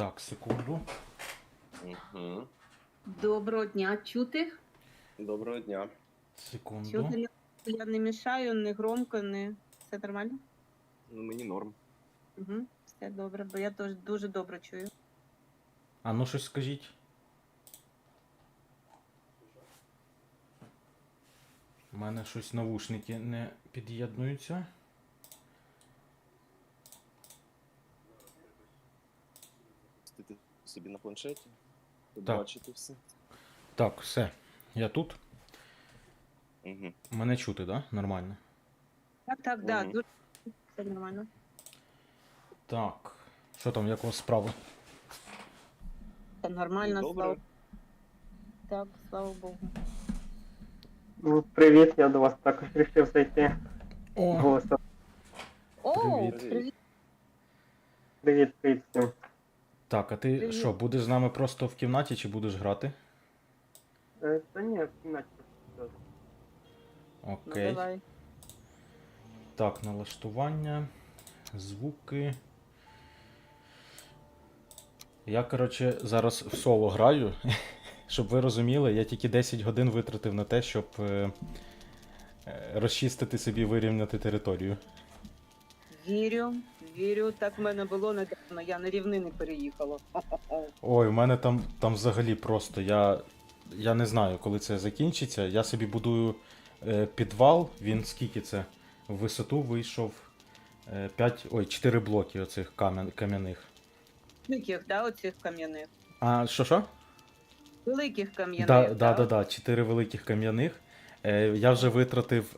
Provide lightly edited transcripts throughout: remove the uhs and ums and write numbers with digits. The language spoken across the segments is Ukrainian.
Так, секунду. Угу. Доброго дня. Чути? Доброго дня. Секунду. Чути? Я не мішаю, не громко, не... Все нормально? Ну, мені норм. Угу. Все добре, бо я теж дуже добре чую. А ну щось скажіть. У мене щось навушники не під'єднуються. Сидите собі на планшеті, Так. бачите все. Так, все. Я тут. Угу. Мене чути, да? Нормально. Так, да, Мгм. дуже все нормально. Так. Що там, як у вас справи? Все нормально, Добре. слава. Так, слава Богу. Ну, привіт, я до вас також вирішив зайти. О! Голосом. О, Привіт. привіт. Привіт, привіт всім. Так, а ти Привіт. що, будеш з нами просто в кімнаті чи будеш грати? Та ні, в кімнаті. Ну, Окей. давай. Так, налаштування, звуки. Я, коротше, зараз в соло граю. Щоб ви розуміли, я тільки 10 годин витратив на те, щоб розчистити собі, вирівняти територію. Вірю, вірю. Так в мене було недавно, я на рівнини переїхала. Ой, у мене там взагалі просто. Я не знаю, коли це закінчиться. Я собі будую підвал, він скільки це? В висоту вийшов 4 блоки оцих кам'яних. Великих, да, оцих кам'яних? А що? Великих кам'яних, Да, 4 великих кам'яних. Я вже витратив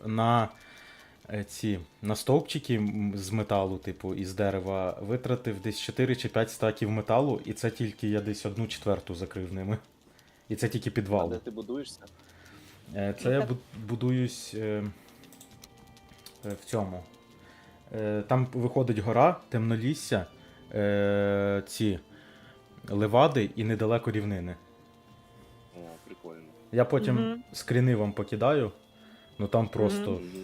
на стовпчики з металу, типу, із дерева, витратив десь 4 чи 5 стаків металу, і це тільки я десь 1/4 закрив ними. І це тільки А підвал. де ти будуєшся? Це я будуюсь в цьому. Там виходить гора, темнолісся, ці левади і недалеко рівнини. О, прикольно. Я потім Мгм. скріни вам покидаю, ну там просто. Мгм.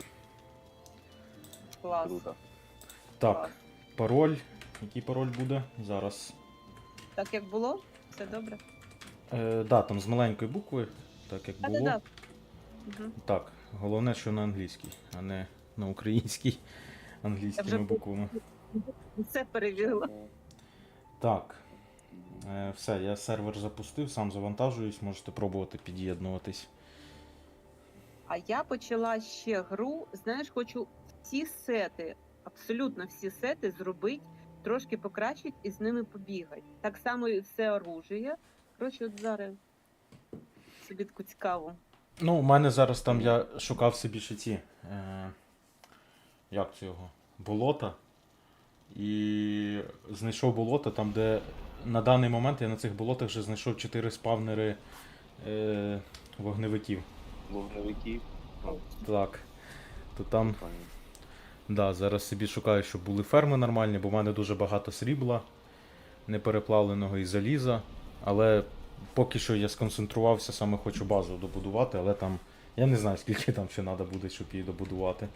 Клас. Круто. Так, Клас. пароль. Який пароль буде? Зараз. Так як було? Все добре? Да, там з маленької букви, так як було. Так. Угу. Так, головне, що на англійській, а не на українській англійськими вже буквами. Все перевірила. О, Так, все, я сервер запустив, сам завантажуюсь, можете пробувати під'єднуватись. А я почала ще гру. Знаєш, хочу всі сети, абсолютно всі сети зробити, трошки покращити і з ними побігати. Так само і все оружие. Коротше, от зараз собі таку цікаву. Ну, у мене зараз там я шукав собі ще ці. Як це його? Болота. І знайшов болото там, де на даний момент я на цих болотах вже знайшов 4 спавнери вогневиків. Вогневики. Ну, Так. То там, прикольно. да, зараз собі шукаю, щоб були ферми нормальні, бо в мене дуже багато срібла, непереплавленого і заліза. Але поки що я сконцентрувався, саме хочу базу добудувати, але там. Я не знаю, скільки там ще треба буде, щоб її добудувати.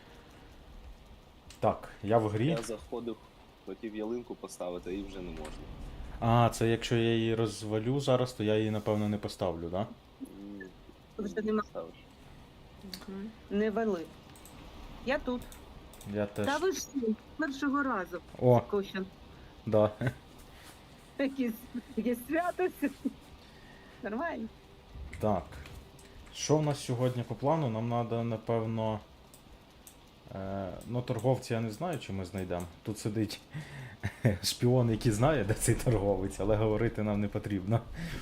Так, я в грі. Я заходив, хотів ялинку поставити, і вже не можна. А, це якщо я її розвалю зараз, то я її, напевно, не поставлю, да? М, Вже нема. ставиш. Не вели. Я тут. Я теж. Та ви ж з першого разу. О, Кощен. да. Якісь свято. Нормально. Так. Що в нас сьогодні по плану? Нам треба, напевно. Ну, торговця я не знаю, чи ми знайдемо. Тут сидить шпіон, який знає, де цей торговець, але говорити нам не потрібно.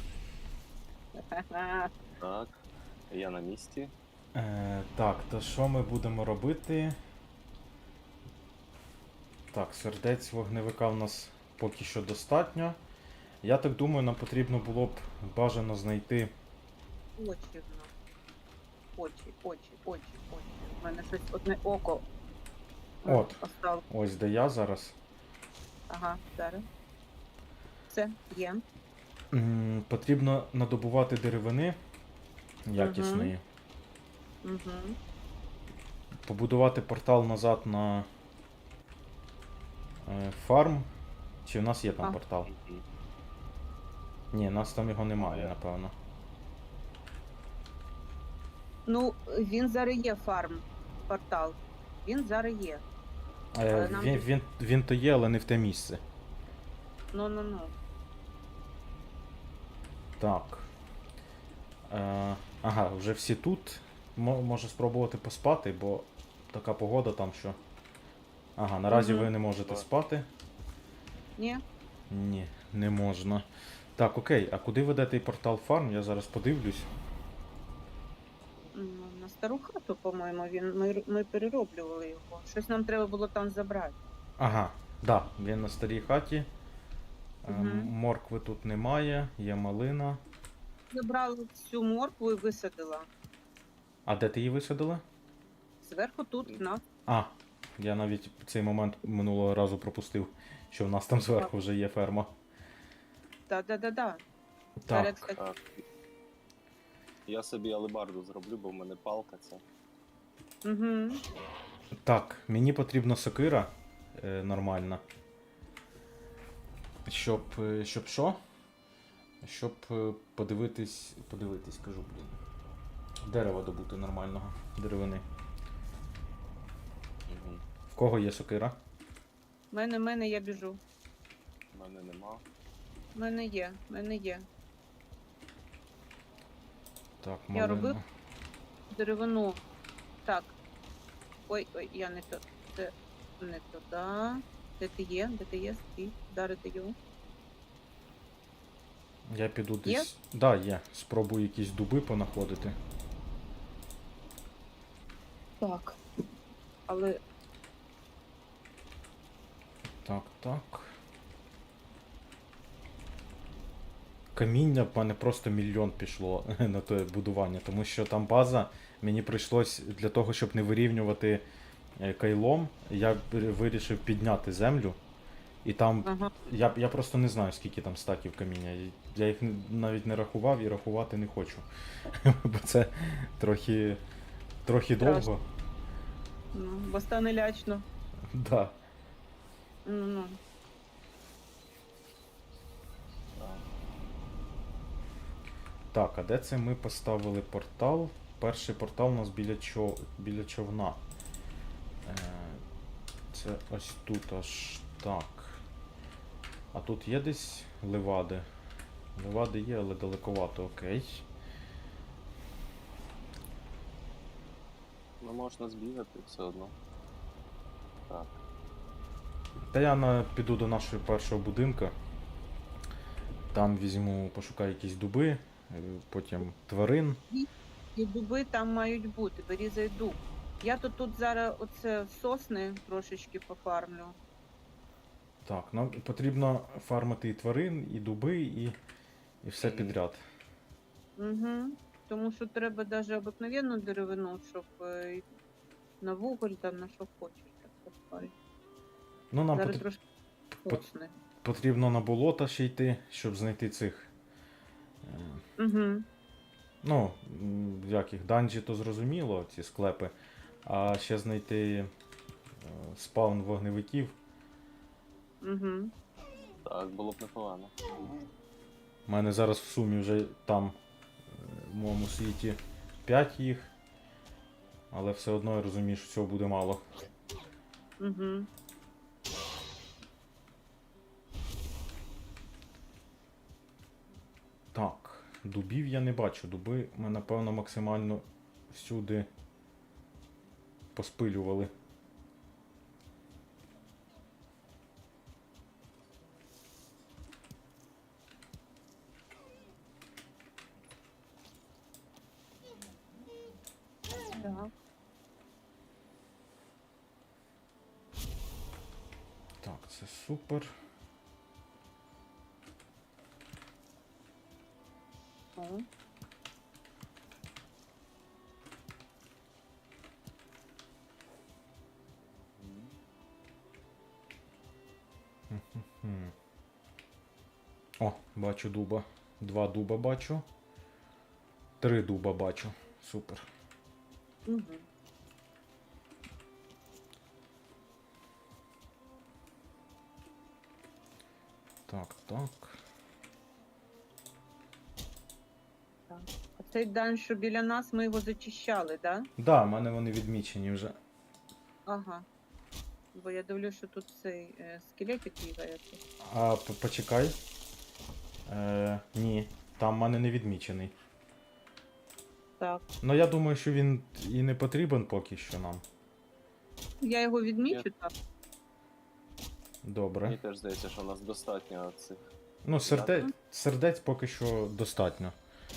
Так, я на місці. Так, то що ми будемо робити? Так, сердець вогневика в нас поки що достатньо. Я так думаю, нам потрібно було б бажано знайти. Очі в нас. Очі. У мене щось одне око. От. Осталось. Ось де я зараз. Ага, зараз. Все, є. Потрібно надобувати деревини якісної. Угу. Побудувати портал назад на фарм. Чи в нас є там А. портал? Мгм. Ні, нас там його немає, напевно. Ну, він зараз є фарм портал. Він зараз є. Але нам Він то є, але не в те місце. Ну. Так. Ага, вже всі тут. Може спробувати поспати, бо така погода там, що. Ага, наразі Мгм. ви не можете спати. Ні? Ні, не можна. Так, окей, а куди веде той портал фарм? Я зараз подивлюсь. Ну, на стару хату, по-моєму, ми перероблювали його. Щось нам треба було там забрати. Ага, да, він на старій хаті. Мгм. Моркви тут немає, є малина. Забрала всю моркву і висадила. А де ти її висадила? Зверху тут на. А, я навіть цей момент минулого разу пропустив, що в нас там зверху вже є ферма. Да. Так, кстати, Так. Я собі алебарду зроблю, бо в мене палка це. Угу. так, мені потрібна сокира нормальна. Щоб що? Щоб подивитись, кажу, блін. Дерева добути нормального, деревини. Угу. В кого є сокира? Мене, я біжу. В мене нема. Мене є. Так, Я малина. робив деревину. Так. Ой, я не то. Це не туди. Де ти є? Стій. Зараз даю. Я піду Є? десь. Да, є. Спробую якісь дуби понаходити. Так. Але Так. Каміння в мене просто мільйон пішло на те будування, тому що там база, мені прийшлось для того, щоб не вирівнювати кайлом, я вирішив підняти землю. І там ага. я просто не знаю, скільки там стаків каміння. Я їх навіть не рахував і рахувати не хочу. Бо це трохи довго. Ну, бо стане лячно. Да. Ну. Так. Так, а де це ми поставили портал? Перший портал у нас біля човна. Це ось тут аж так. А тут є десь левади? Левади є, але далековато, окей. Ну можна збігати все одно. Так. Та я піду до нашого першого будинка. Там візьму, пошукаю якісь дуби, потім тварин. І дуби там мають бути, вирізай дуб. Я тут зараз оце сосни трошечки пофармлю. Так, нам потрібно фармити і тварин, і дуби, і все Мгм. підряд. Угу. Тому що треба навіть обикновенну деревину, щоб на вуголь там на що хочеш. Так поставити. Ну, нам Зараз трошки пот- сосни. потрібно на болота ще йти, щоб знайти цих. Угу. Ну, як їх, данжі, то зрозуміло, ці склепи. А ще знайти спаун вогневиків. Угу. Так, було б непогано. У мене зараз в сумі вже там, в моєму світі, 5 їх. Але все одно я розумію, що цього буде мало. Угу. Так, дубів я не бачу. Дуби ми, напевно, максимально всюди поспилювали. Так. Так, це супер. О. Хм. О, бачу дуба. 2 дуба бачу. 3 дуба бачу. Супер. Угу. Так. А цей дан, що біля нас, ми його зачищали, да? Да, в мене вони відмічені вже. Ага. Бо я дивлюсь, що тут цей скелетик бігає. А почекай. Ні, там в мене не відмічений. Так. Ну я думаю, що він і не потрібен поки що нам. Я його відмічу, так. Добре. Мені теж здається, що у нас достатньо цих. Ну, сердець поки що достатньо.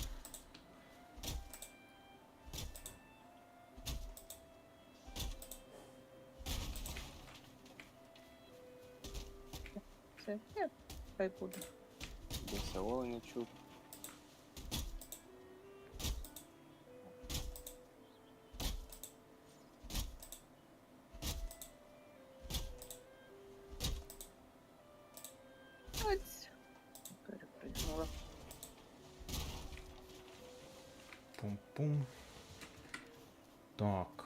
Все, хай буде. Десь оленя чув. Ось. Перепригнула. Пум-пум. Так.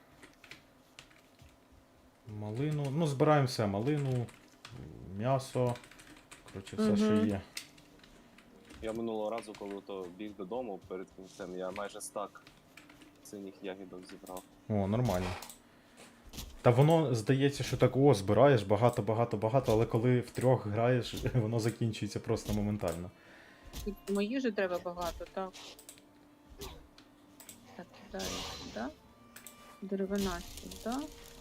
Малину. Ну, збираємо все. Малину, м'ясо. Коротше, все, що Мгм. є. Я минулого разу, коли то біг додому перед кінцем, я майже стак синіх ягідок зібрав. О, нормально. Та воно здається, що так збираєш багато, але коли втрьох граєш, воно закінчується просто моментально. І мої же треба багато, так. Так, кидаю сюди. Деревина сюди.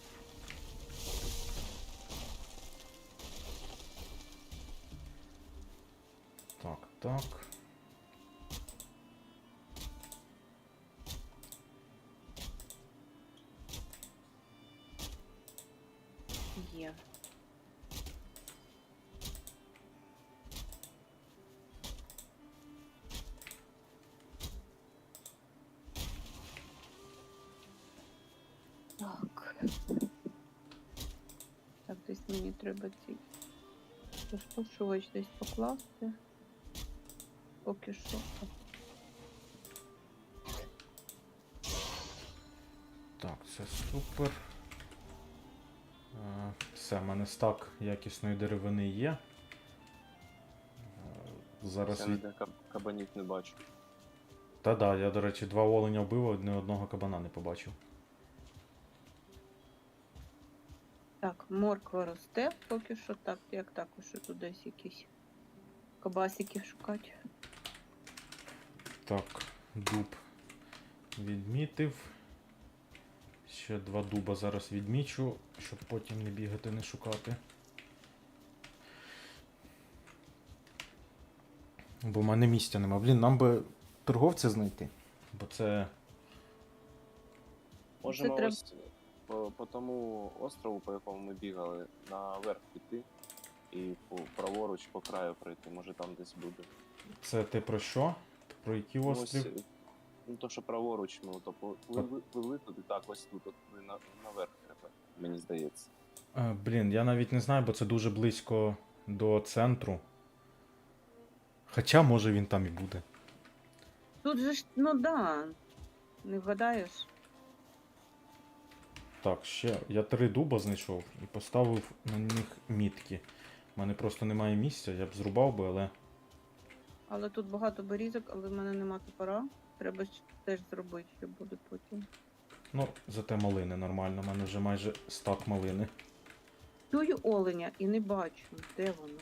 Так, так. Є. Так. Так, десь мені треба цей розпушувач десь покласти. Поки що. Так, це супер. Все, в мене стак якісної деревини є. Зараз Я ніде кабанів не бачу. Та-да, я, до речі, 2 оленя вбив, ні одного кабана не побачив. Так, морква росте поки що так, як також що тут десь якісь кабасики шукати. Так, дуб відмітив. Ще 2 дуба зараз відмічу, щоб потім не бігати, не шукати. Бо в мене місця нема. Блін, нам би торговця знайти. Бо це. Можемо треба- ось по тому острову, по якому ми бігали, наверх піти і праворуч по краю пройти. Може там десь буде. Це ти про що? Про який Ну, острів? ось, ну то, що праворуч, ми то пливли туди, так, ось тут, от, наверх треба, мені здається. Блін, я навіть не знаю, бо це дуже близько до центру. Хоча, може, він там і буде. Тут же ж, ну да, не вгадаєш. Так, ще я 3 дуба знайшов і поставив на них мітки. У мене просто немає місця, я б зрубав би, але. Але тут багато берізок, але в мене нема топора. Треба ж теж зробити, що буде потім. Ну, зате малини нормально, у мене вже майже стак малини. Чую оленя і не бачу, де воно.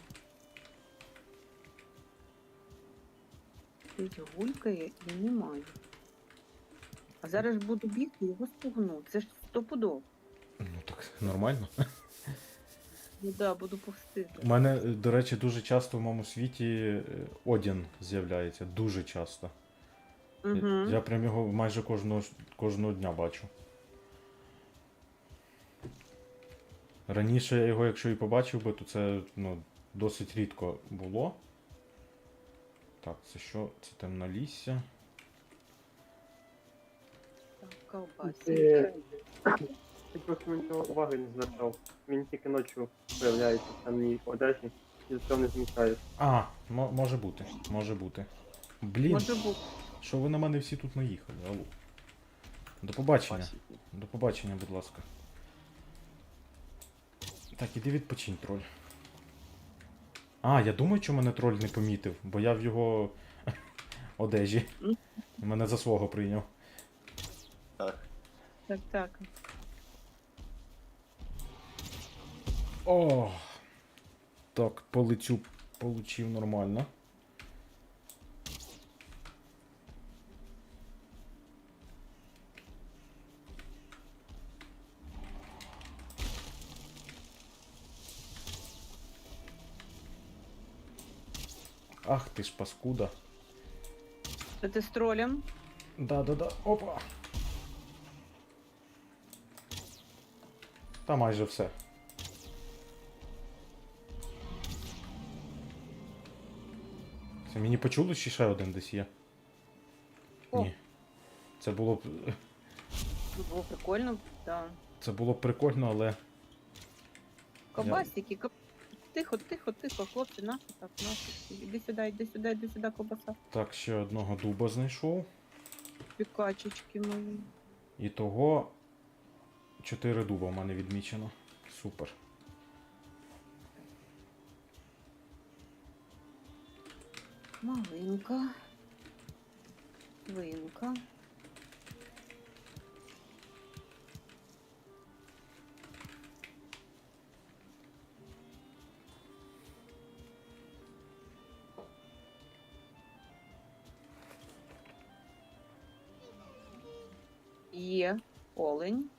Десь гулькає і немає. А зараз ж буду бігти і його спугну. Це ж стопудов. Ну так, нормально. Ну да, буду повсти. У мене, до речі, дуже часто в моєму світі Одін з'являється. Дуже часто. Угу. Я прям його майже кожного дня бачу. Раніше я його, якщо і побачив би, то це досить рідко було. Так, це що? Це темнолісся. Так, ковбасі. Ти просто на нього уваги не звертав. Він тільки ночі з'являється в самій одежі і за цього не змічаєш. А, може бути, може бути. Блін, Може бути. що ви на мене всі тут наїхали? Алло. До побачення. Пасіки. До побачення, будь ласка. Так, іди відпочинь, троль. А, я думаю, що мене троль не помітив, бо я в його одежі. Мгм. Мене за свого прийняв. Так. Так, так. О! Так, полетю получив нормально. Ах ти ж паскуда. Це ти з тролем? Да-да-да, опа. Та майже все. Це мені почулось, чи ще один десь є? О. Ні. Це було б. Було прикольно, так. Це було б прикольно, але. Ковбасики, тихо, тихо, тихо, хлопці, наші так, наші. Іди сюди, ковбаса. Так, ще одного дуба знайшов. Пікачечки мої. І того 4 дуба в мене відмічено. Супер. Малинка. Свинка. Є олень.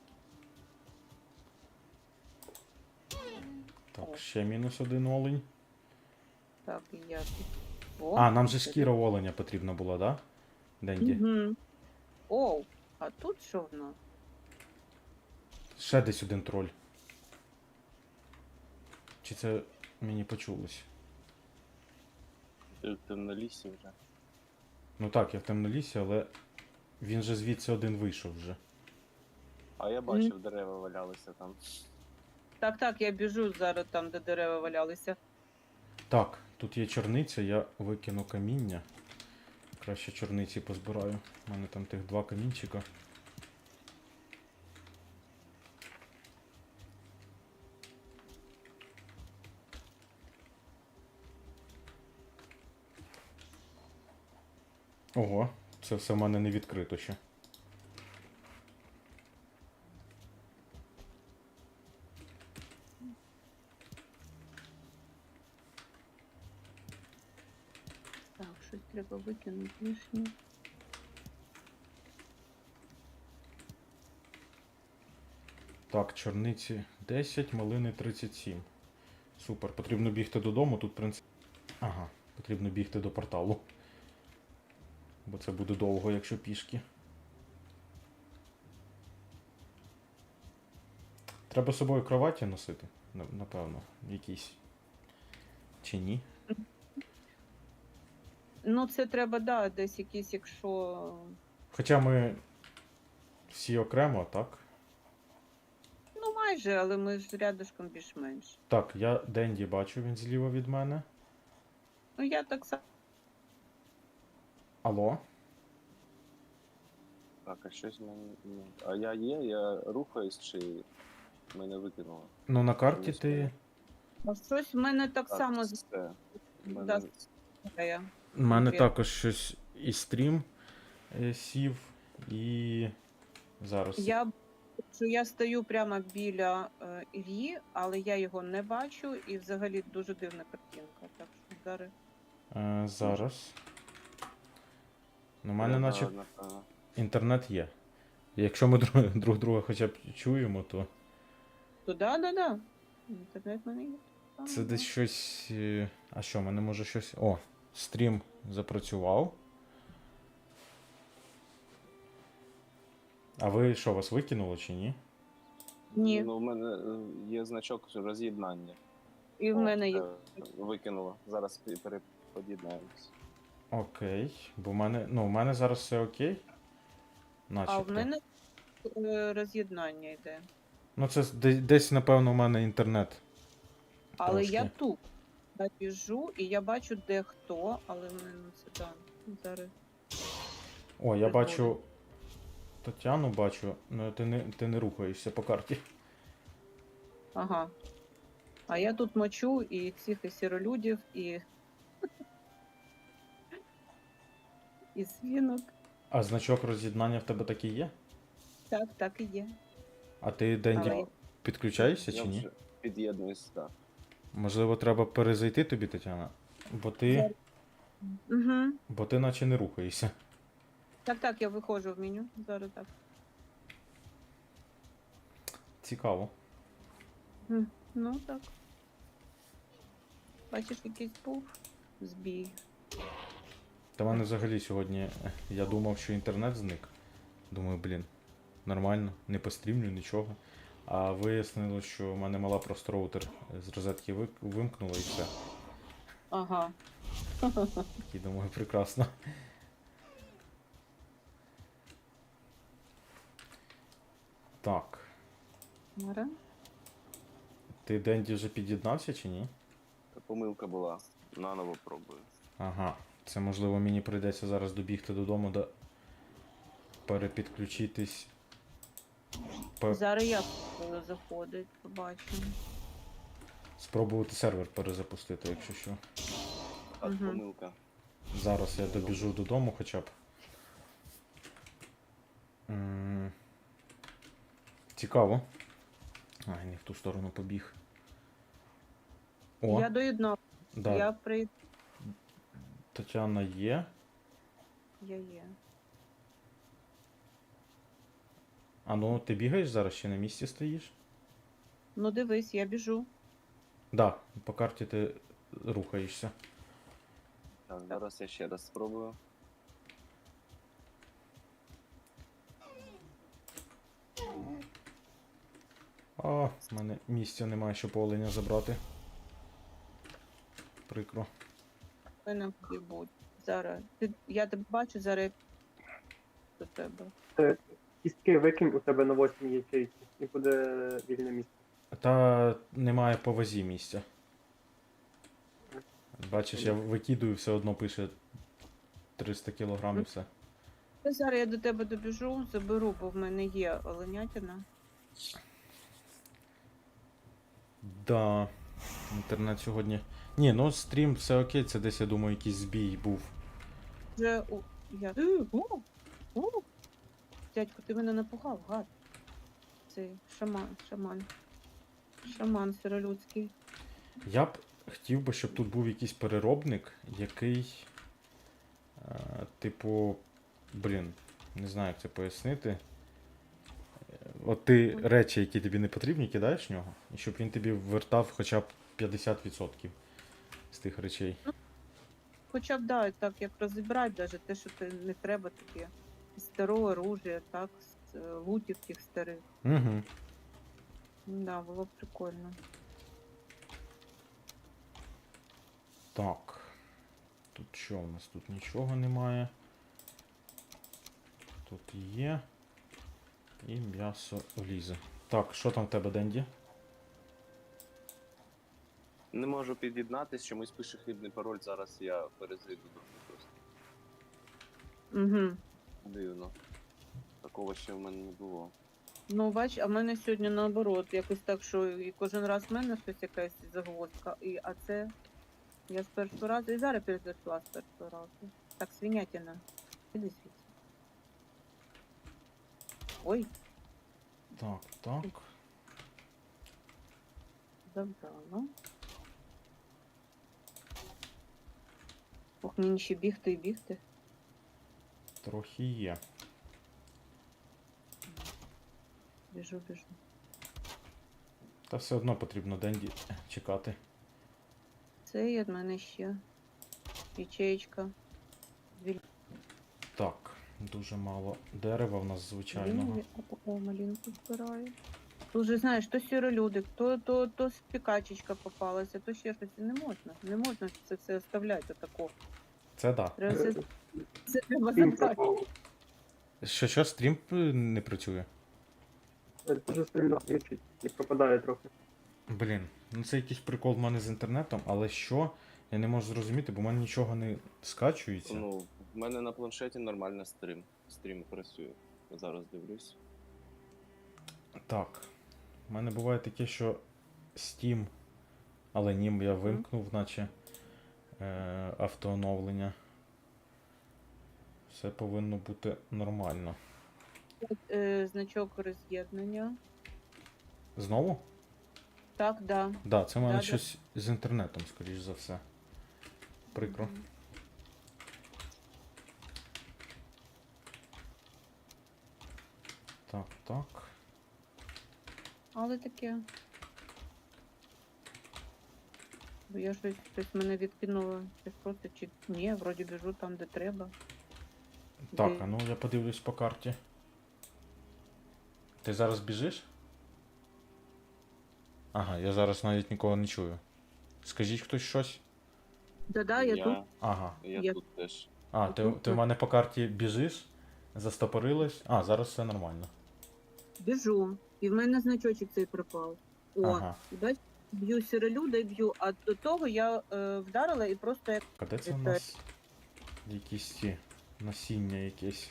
Так, ще мінус один олень. Так, і я тут. О, А, нам же шкіра оленя потрібна була, да? Денді. Угу. Оу, а тут що в нас? Ще десь один троль. Чи це мені почулось? Ти в темнолісі вже. Ну так, я в темнолісі, але він же звідси один вийшов вже. А я бачив, дерева валялися там. Так, так, я біжу зараз там, де дерева валялися. Так, тут є чорниця, я викину каміння. Краще чорниці позбираю. У мене там тих 2 камінчика. Ого, це все в мене не відкрито ще. Так, щось треба викинути лишнє. Так, чорниці 10, малини 37. Супер, потрібно бігти додому, тут принцип. Ага, потрібно бігти до порталу. Бо це буде довго, якщо пішки. Треба з собою кроваті носити, напевно, якісь. Чи ні? Ну, це треба, да, десь якісь, якщо. Хоча ми всі окремо, так? Ну, майже, але ми ж рядышком більш-менш. Так, я Денді бачу, він зліва від мене. Ну, я так само. Алло? Так, а щось мені. А я є, я рухаюсь чи мене викинуло? Ну на карті Мені ти. А щось в мене так Так, само все. Мене- да, згадає. У мене Привіт. також щось і стрім сів, і зараз. Я стою прямо біля Іллі, але я його не бачу, і взагалі дуже дивна картинка. Так що зараз. Зараз. Ну, у мене Я, наче напевно. інтернет є. Якщо ми друг друга хоча б чуємо, то То да. Інтернет в мене є. це десь щось. А що, в мене може щось. О, стрім запрацював. А ви що, вас викинуло чи ні? Ні, Ну, в мене є значок роз'єднання. і в О, мене є. Викинуло. Зараз перепод'єднаємось. Окей. Бо в мене. Ну, в мене зараз все окей. А Начебто. в мене роз'єднання йде. Ну, це десь, напевно, у мене інтернет. Але я Трошки. тут. Я біжу і я бачу, де хто, але в мене це там. Зараз. О, я Прикольно. бачу. Тетяну бачу, але ти не рухаєшся по карті. Ага. А я тут мочу і цих і сіролюдів, і. і свинок. А значок роз'єднання в тебе такий є? Так, так і є. А ти, Денді, Але- підключаєшся Я чи ні? вже під'єднуюсь, так. Можливо, треба перезайти тобі, Тетяна? Угу. Бо ти наче не рухаєшся. Так, так, я виходжу в меню. Зараз так. Цікаво. Ну так. Бачиш, якийсь був збій. Та в мене взагалі сьогодні, я думав, що інтернет зник. Думаю, блін, нормально, не пострімлю, нічого. А вияснилось, що в мене мала просто роутер з розетки вимкнула і все. Ага. І думаю, прекрасно. Так. Мара. Ти, Денді, вже під'єднався чи ні? Та помилка була. Наново пробую. Ага. Це можливо мені прийдеться зараз добігти додому, да перепідключитись. Зараз я буду заходити, побачимо. Спробувати сервер перезапустити, якщо що. Так, Мгм. помилка. Зараз я добіжу додому хоча б. М, Цікаво. Ай, не в ту сторону побіг. О, Я доєднав. да, Я при... Тетяна є. Я є. А ну, ти бігаєш зараз чи на місці стоїш? Ну дивись, я біжу. Да, по карті ти рухаєшся. Так, зараз я ще раз спробую. А, в мене місця немає, щоб оленя забрати. Прикро. Ви не будь. Зараз. Я тебе бачу, зараз я до тебе. Кістки викинь у тебе на 8 ячейці і буде вільне місце. Та немає по вазі місця. Бачиш, я викидую, все одно пише 300 кг і все. Зараз я до тебе добіжу, заберу, бо в мене є оленятина. Да, інтернет сьогодні. Ні, ну стрім все окей, це десь, я думаю, якийсь збій був. Вже я. О! Дядько, ти мене напугав, гад. Цей шаман сиролюдський. Я б хотів би, щоб тут був якийсь переробник, який. Типу. Блін, не знаю, як це пояснити. От ти речі, які тобі не потрібні, кидаєш в нього, і щоб він тобі вертав хоча б 50% з тих речей. Хоча б да, так як розібрати, навіть те, що ти не треба таке. Старе оружие, так, лутів тих старих. Угу. Да, було б прикольно. Так. Тут що у нас? Тут нічого немає. Тут є. І м'ясо влізе. Так, що там в тебе, Денді? Не можу під'єднатись, чомусь пише хибний пароль, зараз я перезайду до просто. Угу. Дивно. Такого ще в мене не було. Ну, бач, а в мене сьогодні наоборот, якось так, що і кожен раз в мене щось якась загвоздка, а це я з першого разу і зараз перезайшла з першого разу. Так, свинятина. Іди звідси. Ой, Так. забрала. Ох, мені ще бігти і бігти. Трохи є. Біжу. Та все одно потрібно Денді чекати. Це є в мене ще. Ячеєчка. Так, дуже мало дерева в нас звичайного. О, малинку збираю. Тут же, знаєш, то сіролюдик, то спікачечка попалася, то ще щось. Не можна це все оставляти отако. Це да. Треба це треба Стрім забрати. пропав. Що, стрім не працює? Дуже сильно глючить і пропадає трохи. Блін, ну це якийсь прикол в мене з інтернетом, але що? Я не можу зрозуміти, бо в мене нічого не скачується. Ну, в мене на планшеті нормально стрім. Стрім працює. Зараз дивлюсь. Так. У мене буває таке, що Steam, але ні, я вимкнув, наче автооновлення. Все повинно бути нормально. Значок роз'єднання. Знову? Так, да. Да, це в мене Да-да. щось з інтернетом, скоріш за все. Прикро. Мгм. Так, так. Але таке. Бо я щось мене відкинуло. Щось просто чи ні, вроді біжу там, де треба. Так, Де? а ну я подивлюсь по карті. Ти зараз біжиш? Ага, я зараз навіть нікого не чую. Скажіть хтось щось? Да-да, я тут. Ага. Я Я- тут теж. А, ти в мене по карті біжиш, застопорилась. А, зараз все нормально. Біжу. І в мене значочок цей пропав. О, Ага. і бач, б'ю сірелюда і б'ю, а до того я вдарила і просто як А де це в Вітаю. нас якісь ці насіння якесь?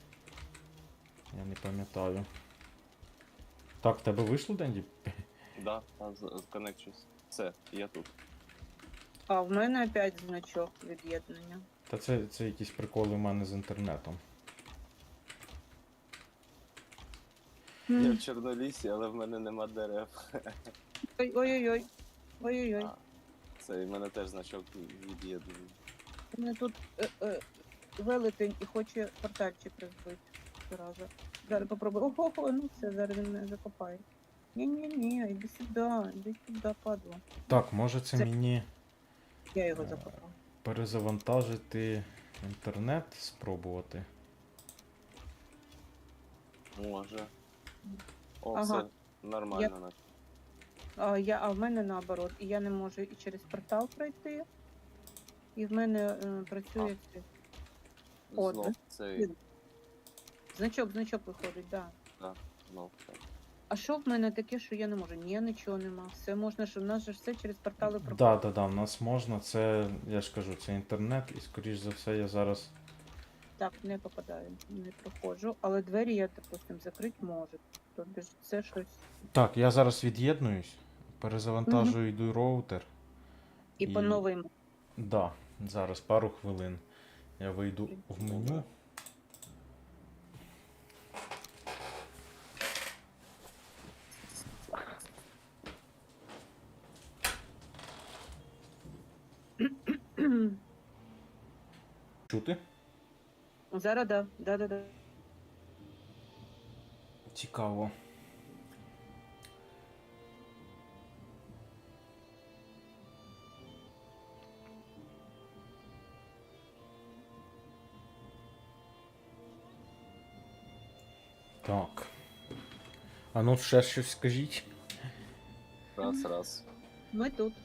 Я не пам'ятаю. Так, в тебе вийшло, Денді? Да, коннекчусь. Все, я тут. А в мене опять значок від'єднання. Та це якісь приколи в мене з інтернетом. Я в Чорнолісі, але в мене нема дерев. Ой-ой-ой. Ой-ой-ой. А, Це і в мене теж значок від'єднаний. У мене тут велетень і хоче портальчик розбити. Зараза. Зараз попробую. Ого, ну все, зараз він мене закопає. Ні-ні-ні, іди сюди, падло. Так, може це Це- мені Я його закопав. перезавантажити інтернет, спробувати. Може. О, Ага. все нормально. наче. А в мене наоборот. І я не можу і через портал пройти. І в мене працює цей От, Знов цей. значок виходить, так. Да. Знов так. А що в мене таке, що я не можу? Ні, нічого нема. Все можна, що в нас же ж все через портали проходить. Да, в нас можна, це, я ж кажу, це інтернет, і скоріш за все я зараз. Так, не попадаю, не проходжу. Але двері я, допустим, закрити можу. Тобто ж це щось. Так, я зараз від'єднуюсь, перезавантажую йду роутер. І по новим. Да, зараз пару хвилин. Я вийду в меню. Чути? Зараз да. Да. Цікаво. Так. А ну ще щось скажіть. Раз. Ми тут.